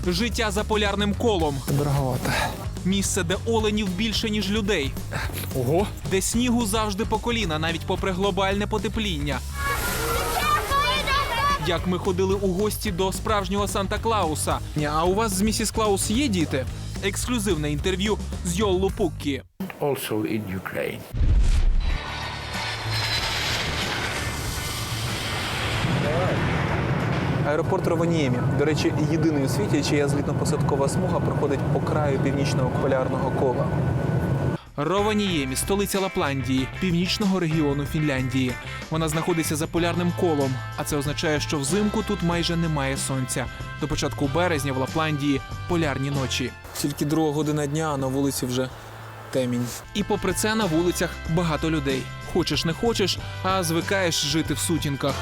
Життя за полярним колом. Дороговато. Місце, де оленів більше, ніж людей. Ого. Де снігу завжди по коліна, навіть попри глобальне потепління. Як ми ходили у гості до справжнього Санта-Клауса. А у вас з місіс Клаус є діти? Ексклюзивне інтерв'ю з Йоллу Пуккі. Also in Ukraine. Аеропорт Рованіємі. До речі, єдиний у світі, чия злітно-посадкова смуга проходить по краю північного полярного кола. Рованіємі – столиця Лапландії, північного регіону Фінляндії. Вона знаходиться за полярним колом, а це означає, що взимку тут майже немає сонця. До початку березня в Лапландії полярні ночі. Тільки 2 година дня, а на вулиці вже темінь. І попри це на вулицях багато людей. Хочеш не хочеш, а звикаєш жити в сутінках.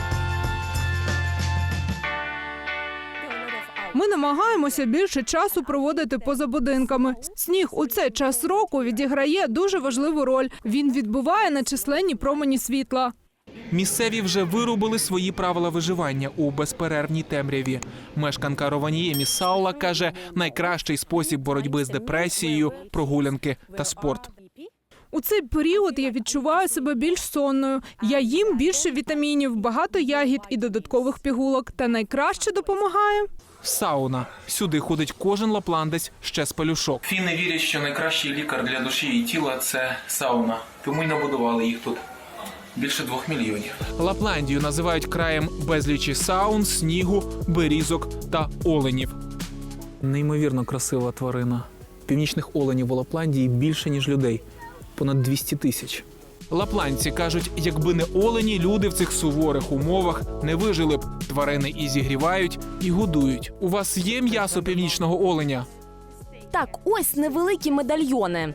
Ми намагаємося більше часу проводити поза будинками. Сніг у цей час року відіграє дуже важливу роль. Він відбиває нечисленні промені світла. Місцеві вже виробили свої правила виживання у безперервній темряві. Мешканка Рованіємі Саула каже, найкращий спосіб боротьби з депресією – прогулянки та спорт. У цей період я відчуваю себе більш сонною. Я їм більше вітамінів, багато ягід і додаткових пігулок. Та найкраще допомагає Сауна. Сюди ходить кожен лапландець ще з пелюшок. Фіни вірять, що найкращий лікар для душі і тіла – це сауна. Тому й набудували їх тут. Більше 2 мільйонів. Лапландію називають краєм безлічі саун, снігу, берізок та оленів. Неймовірно красива тварина. Північних оленів у Лапландії більше, ніж людей. Понад 200 тисяч. Лапландці кажуть, якби не олені, люди в цих суворих умовах не вижили б. Тварини і зігрівають, і годують. У вас є м'ясо північного оленя? Так, ось невеликі медальйони.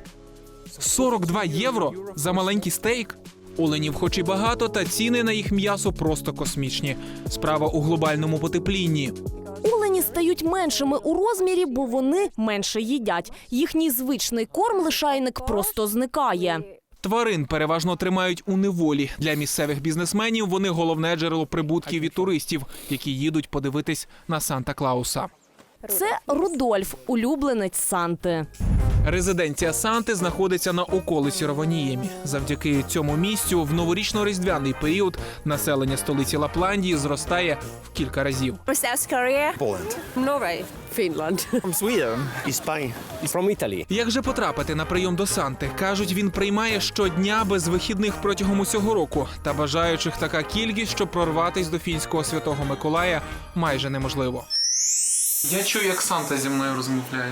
42 євро за маленький стейк? Оленів хоч і багато, та ціни на їх м'ясо просто космічні. Справа у глобальному потеплінні. Олені стають меншими у розмірі, бо вони менше їдять. Їхній звичний корм-лишайник просто зникає. Тварин переважно тримають у неволі. Для місцевих бізнесменів вони головне джерело прибутків від туристів, які їдуть подивитись на Санта-Клауса. Це Рудольф, улюбленець Санти. Резиденція Санти знаходиться на околиці Рованіємі. Завдяки цьому місцю в новорічно-різдвяний період населення столиці Лапландії зростає в кілька разів. South Korea, Poland. Norway, Finland. From Sweden. Spain. From Italy. Як же потрапити на прийом до Санти? Кажуть, він приймає щодня без вихідних протягом усього року. Та бажаючих така кількість, що прорватись до фінського Святого Миколая майже неможливо. Я чую, як Санта зі мною розмовляє.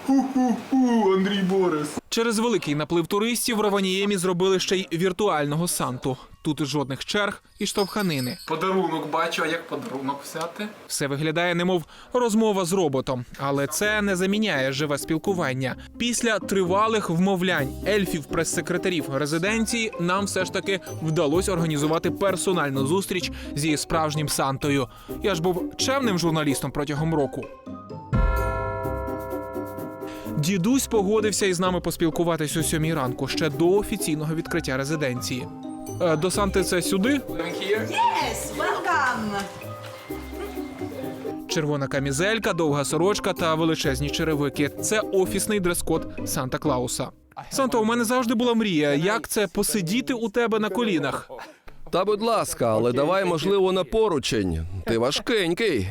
Андрій Борис. Через великий наплив туристів в Рованіємі зробили ще й віртуального Санту. Тут жодних черг і штовханини. Подарунок бачу, а як подарунок взяти? Все виглядає, немов розмова з роботом. Але це не заміняє живе спілкування. Після тривалих вмовлянь ельфів, прес-секретарів резиденції нам все ж таки вдалося організувати персональну зустріч зі справжнім Сантою. Я ж був чемним журналістом протягом року. Дідусь погодився із нами поспілкуватись о 7 ранку, ще до офіційного відкриття резиденції. До Санти це сюди? Yes, welcome. Червона камізелька, довга сорочка та величезні черевики. Це офісний дрес-код Санта-Клауса. Санто, у мене завжди була мрія. Як це посидіти у тебе на колінах? Та будь ласка, але давай, можливо, на поручень. Ти важкенький.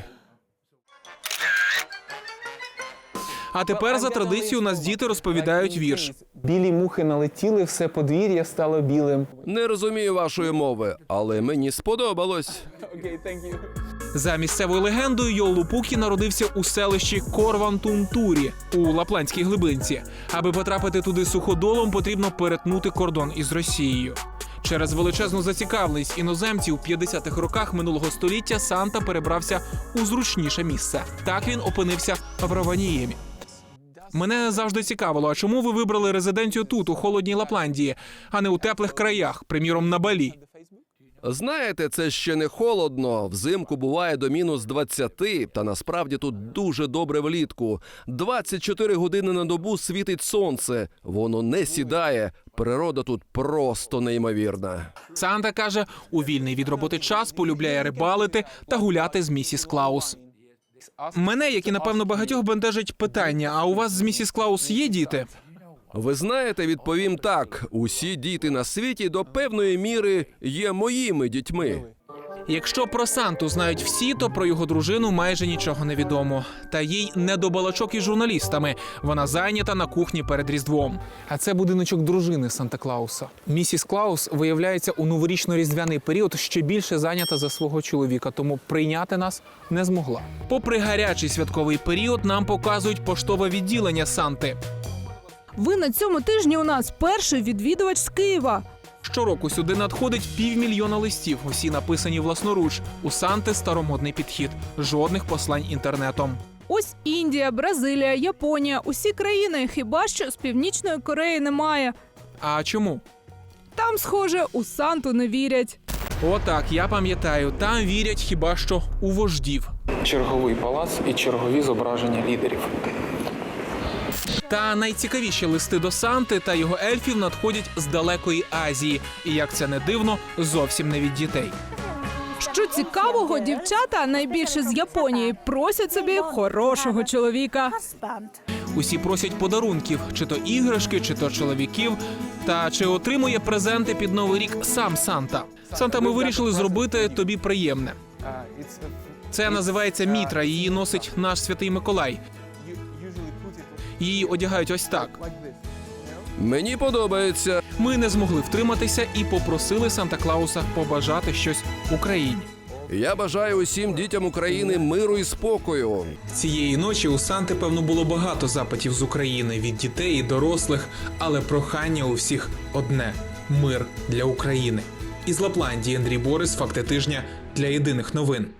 А тепер за традицією у нас діти розповідають вірш. Білі мухи налетіли, все подвір'я стало білим. Не розумію вашої мови, але мені сподобалось. За місцевою легендою, Йоллу Пуккі народився у селищі Корвантунтурі у Лапландській глибинці. Аби потрапити туди суходолом, потрібно перетнути кордон із Росією. Через величезну зацікавленість іноземців у 50-х роках минулого століття Санта перебрався у зручніше місце. Так він опинився в Рованіємі. Мене завжди цікавило, а чому ви вибрали резиденцію тут, у холодній Лапландії, а не у теплих краях, приміром на Балі? Знаєте, це ще не холодно. Взимку буває до мінус 20, та насправді тут дуже добре влітку. 24 години на добу світить сонце. Воно не сідає. Природа тут просто неймовірна. Санта каже, у вільний від роботи час полюбляє рибалити та гуляти з місіс Клаус. Мене, як і напевно багатьох, бентежить питання: а у вас з місіс Клаус є діти? Ви знаєте, відповім так: усі діти на світі до певної міри є моїми дітьми. Якщо про Санту знають всі, то про його дружину майже нічого не відомо. Та їй не до балачок із журналістами. Вона зайнята на кухні перед Різдвом. А це будиночок дружини Санта-Клауса. Місіс Клаус, виявляється, у новорічно-різдвяний період ще більше зайнята за свого чоловіка, тому прийняти нас не змогла. Попри гарячий святковий період, нам показують поштове відділення Санти. Ви на цьому тижні у нас перший відвідувач з Києва. Щороку сюди надходить 500 000 листів, усі написані власноруч. У Санти старомодний підхід, жодних послань інтернетом. Ось Індія, Бразилія, Японія – усі країни, хіба що з Північної Кореї немає. А чому? Там, схоже, у Санту не вірять. Отак, я пам'ятаю, там вірять хіба що у вождів. Черговий палац і чергові зображення лідерів. Та найцікавіші листи до Санти та його ельфів надходять з далекої Азії. І, як це не дивно, зовсім не від дітей. Що цікавого, дівчата, найбільше з Японії, просять собі хорошого чоловіка. Усі просять подарунків, чи то іграшки, чи то чоловіків. Та чи отримує презенти під Новий рік сам Санта? Санта, ми вирішили зробити тобі приємне. Це називається мітра, її носить наш Святий Миколай. Її одягають ось так. Мені подобається. Ми не змогли втриматися і попросили Санта-Клауса побажати щось Україні. Я бажаю усім дітям України миру і спокою. Цієї ночі у Санти, певно, було багато запитів з України від дітей і дорослих, але прохання у всіх одне – мир для України. Із Лапландії Андрій Борис, Факти тижня для Єдиних новин.